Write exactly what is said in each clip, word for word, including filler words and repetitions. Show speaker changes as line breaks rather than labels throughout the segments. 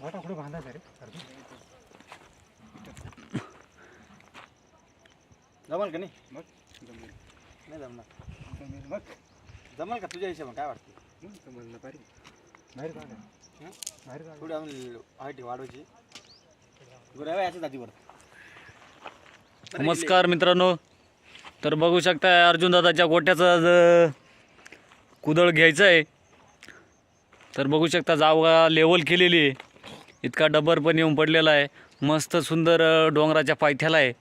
गोटा कुठे बांधायचा रे
जमल का नाही मग नाही जमणार मग जमल का तुझ्या हिशोबाने काय वाटतं
जमल पारी बाहेर काढा बाहेर काढा
थोडी अजून हाईट वाढवायची गुराव्या याच्या जातीवर.
नमस्कार मित्रांनो, तर बघू शकता अर्जुन दादाच्या गोट्याचा आज कुदळ घ्यायचं आहे. तर बघू शकता जागा लेवल केलेली आहे, इतका डबर पण येऊन पडलेला आहे, मस्त सुंदर डोंगराच्या पायथ्याला आहे.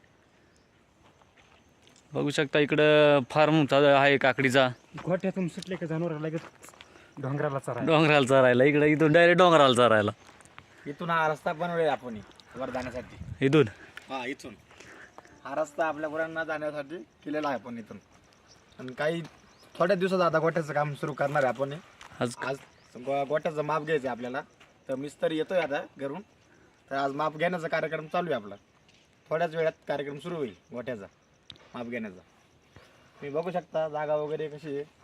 बघू शकता इकडं फार्म आहे काकडीचा.
गोट्यातून सुटले का जनावर लगेच डोंगराला चरायला
डोंगराला चरायला, इकडं इथून डायरेक्ट डोंगराला चरायला.
इथून हा रस्ता बनवलेला आपण वर जाण्यासाठी.
इथून
हा इथून हा रस्ता आपल्या गुरांना जाण्यासाठी केलेला आहे आपण इथून. आणि काही थोड्या दिवसात आता गोट्याचं काम सुरू करणार आहे आपण.
आज
आज गो गोट्याचं माप घ्यायचं आहे आपल्याला, तर मिस्त्री येतोय आता घरून. तर आज माप घेण्याचा कार्यक्रम चालू आहे आपला. थोड्याच वेळात कार्यक्रम सुरू होईल गोट्याचा माप घेण्याचा. तुम्ही बघू शकता जागा वगैरे कशी आहे,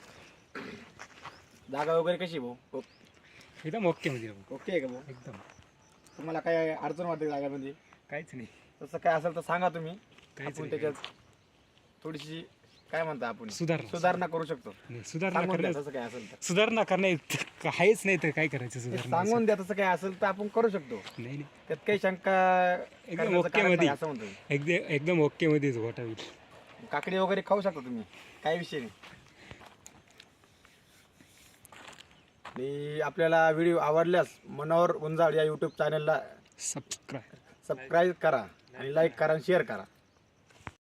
जागा वगैरे कशी आहे भाऊ?
एकदम ओके म्हणजे
ओके आहे का भाऊ?
एकदम
तुम्हाला काय अडचण वाटते जागामध्ये?
काहीच नाही
तसं काय असेल तर सांगा तुम्ही.
काहीच
आपण
नाही,
त्याच्यात थोडीशी काय म्हणता आपण
सुधारणा
सुधारणा करू शकतो.
नाही, सुधारणा
सांगून द्या
करण्या
तसं काय असेल तर.
सुधारणा करणे काहीच नाही तर काय करायचं
हे
सुधारणा
सांगून द्या तसं काय असेल तर आपण करू शकतो.
नाही नाही
त्यात काही शंका
एकदम
करण्याचं
ओके
कारण
मध्ये
नाही असं म्हणतो.
एकदम एकदम ओके मध्येच गोटा होईल.
काकडी वगैरे खाऊ शकता तुम्ही, काही विषय नाही. आणि आपल्याला व्हिडिओ आवडल्यास मनोहर गुंजाळ या यूट्यूब चॅनलला
सबस्क्राईब
सबस्क्राईब करा आणि लाईक करा आणि शेअर करा.